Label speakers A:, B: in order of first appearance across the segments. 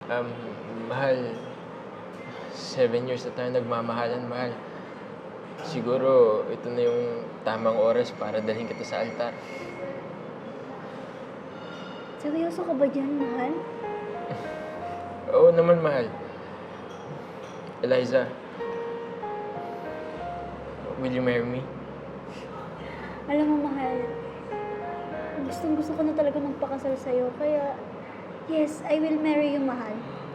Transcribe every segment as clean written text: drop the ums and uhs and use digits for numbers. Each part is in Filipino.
A: Um, Mahal, 7 years na tayo nagmamahalan, mahal. Siguro, ito na yung tamang oras para dalhin kita sa altar.
B: Seryoso ka ba dyan, mahal?
A: Oo naman, mahal. Eliza, will you marry me?
B: Alam mo, mahal, gustong-gusto ko na talaga magpakasal sa'yo. Kaya, yes, I will marry you, mahal.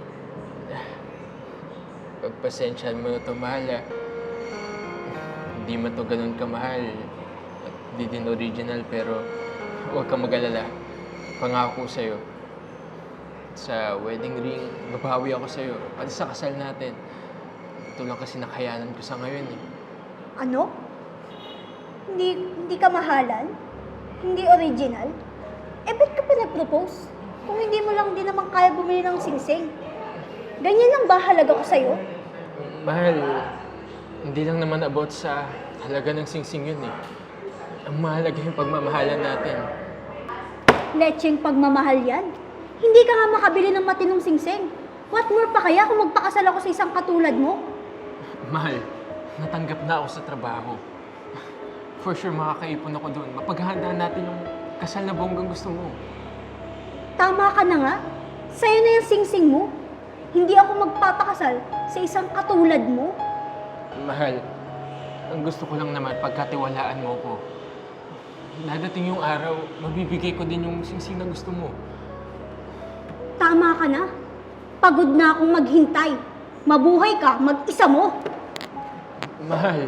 A: Pagpasensyahan mo na ito, mahal, ah. Hindi man ito ganun kamahal. At di din original, pero huwag kang mag-alala. Pangako ko sa'yo. Sa wedding ring, babawi ako sa'yo. Pati sa kasal natin. Ito lang kasi nakayanan ko sa ngayon, eh.
B: Ano? Hindi ka mahalan? Hindi original? Eh, ba't ka pa nag-propose? Kung hindi mo lang din naman kaya bumili ng singsing. Ganyan lang ba halaga ko sa'yo?
A: Mahal, hindi lang naman about sa halaga ng singsing yun, eh. Ang mahalaga yung pagmamahalan natin.
B: Lecheng pagmamahal yan. Hindi ka nga makabili ng matinong singsing. What more pa kaya kung magpakasal ako sa isang katulad mo?
A: Mahal, natanggap na ako sa trabaho. For sure, makakaipon ako doon. Mapaghahandaan natin yung kasal na bonggang gusto mo.
B: Tama ka na nga. Sa'yo na yung singsing mo. Hindi ako magpapakasal sa isang katulad mo.
A: Mahal, ang gusto ko lang naman pagkatiwalaan mo ko. Dadating yung araw, mabibigay ko din yung singsing na gusto mo.
B: Tama ka na. Pagod na akong maghintay. Mabuhay ka, mag-isa mo.
A: Mahal.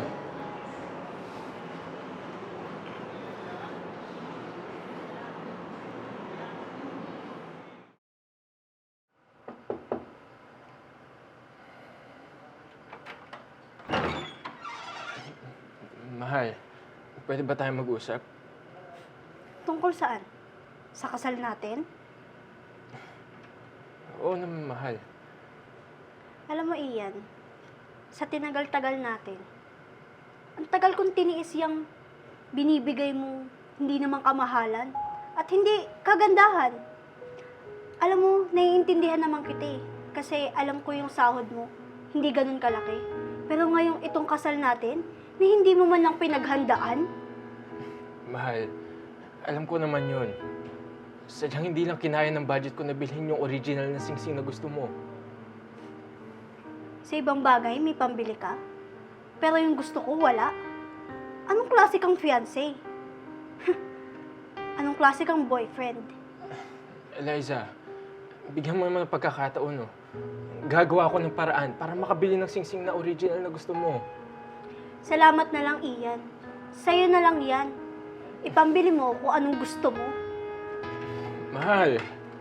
A: Mahal, pwede ba tayo mag-usap?
B: Tungkol saan? Sa kasal natin?
A: Oo naman, mahal.
B: Alam mo, Ian, sa tinagal-tagal natin, ang tagal kong tiniis yung binibigay mo hindi naman kamahalan at hindi kagandahan. Alam mo, naiintindihan naman kita eh. Kasi alam ko yung sahod mo, hindi ganun kalaki. Pero ngayong itong kasal natin, na hindi mo man lang pinaghandaan?
A: Mahal, alam ko naman yun. Sadyang hindi lang kinaya ng budget ko na bilhin yung original na singsing na gusto mo.
B: Sa ibang bagay, may pambili ka. Pero yung gusto ko, wala. Anong klase kang fiancé? Anong klase kang boyfriend?
A: Eliza, bigyan mo naman ng pagkakataon, no? Gagawa ko ng paraan para makabili ng singsing na original na gusto mo.
B: Salamat na lang, Ian. Sa'yo na lang yan. Ipambili mo kung anong gusto mo.
A: Mahal.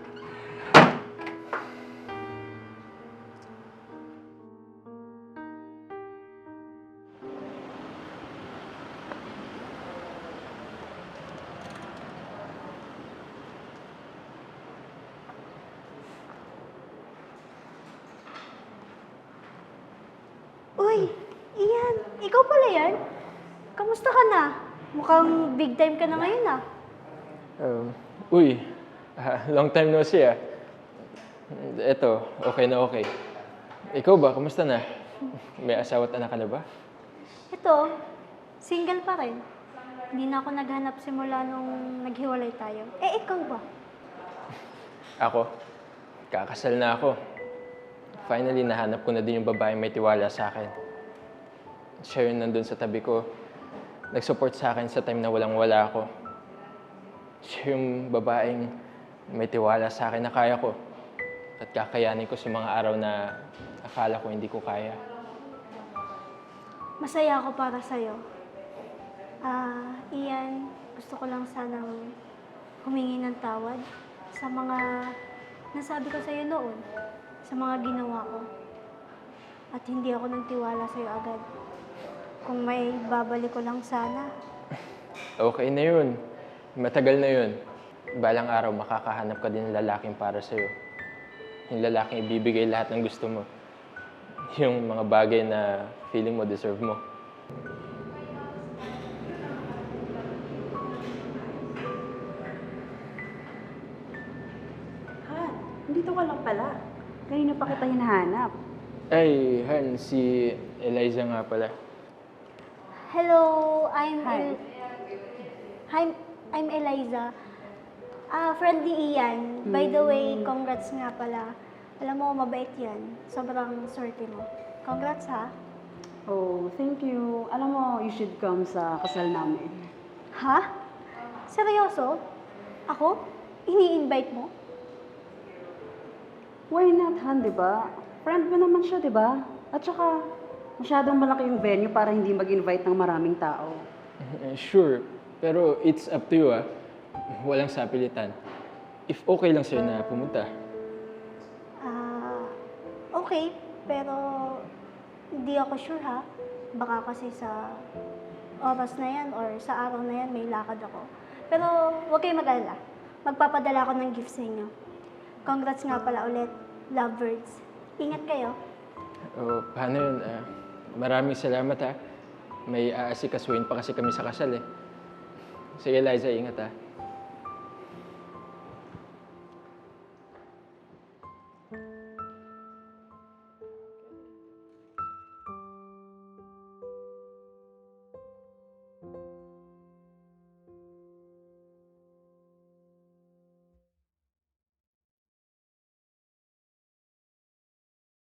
B: Uy, Ian, ikaw pala yan? Kamusta ka na? Mukhang big time ka na ngayon ah.
A: Uy, long time no see, ah. Eto, okay na okay. Ikaw ba, kamusta na? May asawa at anak ka na ba?
B: Ito, single pa rin. Hindi na ako naghanap simula nung naghiwalay tayo. Eh, ikaw ba?
A: Ako, kakasal na ako. Finally, nahanap ko na din yung babaeng may tiwala sa akin. Siya yun nandun sa tabi ko. Nag-support sa akin sa time na walang-wala ako. Siya yung babaeng may tiwala sa akin na kaya ko. At kakayanin ko sa mga araw na akala ko hindi ko kaya.
B: Masaya ako para sa'yo. Ian, gusto ko lang sanang humingi ng tawad sa mga nasabi ko sa'yo noon, sa mga ginawa ko. At hindi ako nagtiwala sa'yo agad. Kung may babalik ko lang sana.
A: Okay na yun. Matagal na yun. Balang araw, makakahanap ka din ng lalaking para sa'yo. Yung lalaking ibibigay lahat ng gusto mo. Yung mga bagay na feeling mo deserve mo.
C: Dito ka lang pala. Kanina pa kita hinahanap.
A: Ay, Han, si Eliza nga pala.
B: Hello, I'm
C: Hi.
B: I'm Eliza. Friend ni Ian. By the way, congrats nga pala. Alam mo, mabait yan. Sobrang swerte mo. Congrats ha.
C: Oh, thank you. Alam mo, you should come sa kasal namin.
B: Ha? Seryoso? Ako? Ini-invite mo?
C: Why not, Han, di ba? Friend mo naman siya, di ba? At saka, masyadong malaki yung venue para hindi mag-invite ng maraming tao.
A: Sure, pero it's up to you ah. Walang sapilitan. If okay lang sa'yo na pumunta.
B: Okay. Pero, hindi ako sure ha. Baka kasi sa oras na yan or sa araw na yan may lakad ako. Pero, huwag kayong mag-alala. Magpapadala ako ng gift sa inyo. Congrats nga pala ulit, lovebirds. Ingat kayo.
A: O, paano yun? Maraming salamat ha. May aasikasuhin pa kasi kami sa kasal eh. Sige, Liza, ingat ha.